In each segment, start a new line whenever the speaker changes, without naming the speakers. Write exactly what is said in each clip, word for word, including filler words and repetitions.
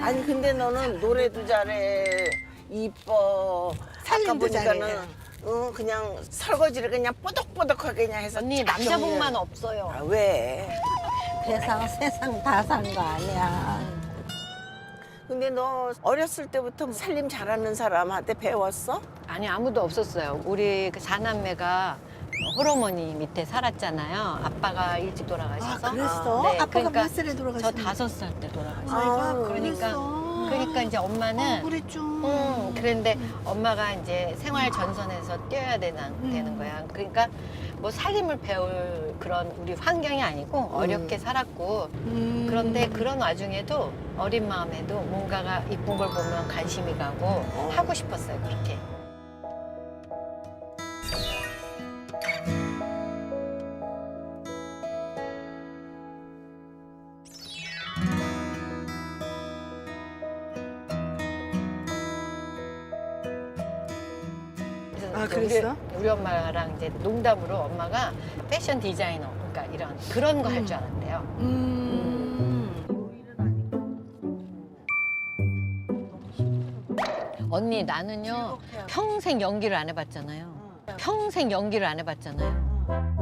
아니 근데 너는 노래도 잘해, 이뻐. 아까
살림도
보니까는
잘해.
어, 그냥 설거지를 그냥 뽀득뽀득하게 그냥 해서
언니
쫙
남자복만
정리해.
없어요.
아, 왜?
세상 세상 다 산 거 아니야.
근데 너 어렸을 때부터 살림 잘하는 사람한테 배웠어?
아니 아무도 없었어요. 우리 그 사남매가 호르몬이 밑에 살았잖아요. 아빠가 일찍 돌아가셔서.
아, 그랬어?
네,
아빠가
그러니까
몇 살에
저
돌아가셨어?
다섯 살 때 돌아가셨어요.
아이고,
그러니까
그랬어.
그러니까 이제 엄마는
어, 그랬죠.
음, 그런데 엄마가 이제 생활 전선에서 뛰어야 되는,
음.
되는 거야. 그러니까 뭐 살림을 배울 그런 우리 환경이 아니고 어렵게 살았고
음.
그런데 그런 와중에도 어린 마음에도 뭔가가 이쁜 걸 보면 관심이 가고 하고 싶었어요, 그렇게.
아,
이제
그랬어?
우리, 우리 엄마랑 이제 농담으로 엄마가 패션 디자이너, 그러니까 이런 그런 거 할 줄 알았대요.
음.
언니 나는요 평생 연기를 안 해봤잖아요. 평생 연기를 안 해봤잖아요.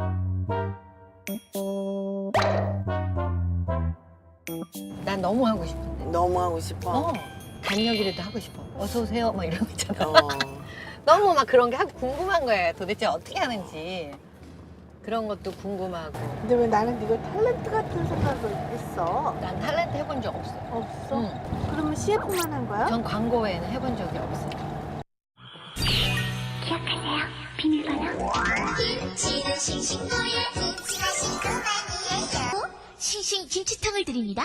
난 너무 하고 싶은데.
너무 하고 싶어.
어. 단역이라도 하고 싶어. 어서 오세요, 막 이런 거 있잖아.
어.
너무 막 그런 게 하고 궁금한 거예요. 도대체 어떻게 하는지. 그런 것도 궁금하고.
근데 왜 나는 네가 탤런트 같은 생각을 했어?
난 탤런트 해본 적 없어요.
없어?
응.
그러면 씨에프만 한 거야?
전 광고 외에는 해본 적이 없어요.
기억하세요? 비밀번호 김치는 싱싱노예 김치가 싱그만이에요 싱싱 김치탕을 드립니다.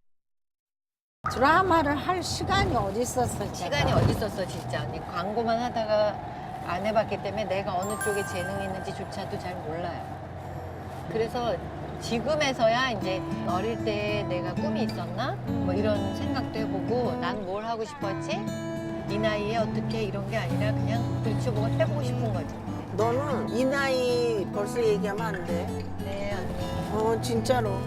드라마를 할 시간이 어디 있었어?
시간이 어디 있었어, 진짜. 언니 광고만 하다가 안 해봤기 때문에 내가 어느 쪽에 재능이 있는지조차도 잘 몰라요. 그래서 지금에서야 이제 어릴 때 내가 꿈이 있었나? 뭐 이런 생각도 해보고 난 뭘 하고 싶었지? 이 나이에 어떻게 이런 게 아니라 그냥 들춰보고 해보고 싶은 거지.
너는 이 나이 벌써 얘기하면 안 돼.
네, 언니.
어, 진짜로.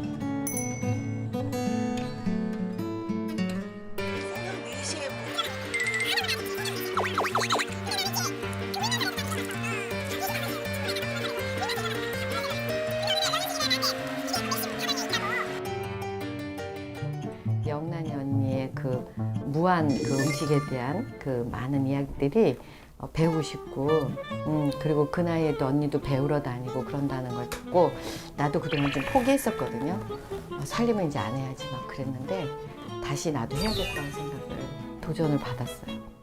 영란이 언니의 그 무한 그 음식에 대한 그 많은 이야기들이 어, 배우고 싶고, 음, 그리고 그 나이에도 언니도 배우러 다니고 그런다는 걸 듣고 나도 그동안 좀 포기했었거든요. 어, 살림은 이제 안 해야지 막 그랬는데 다시 나도 해야겠다는 생각을 도전을 받았어요.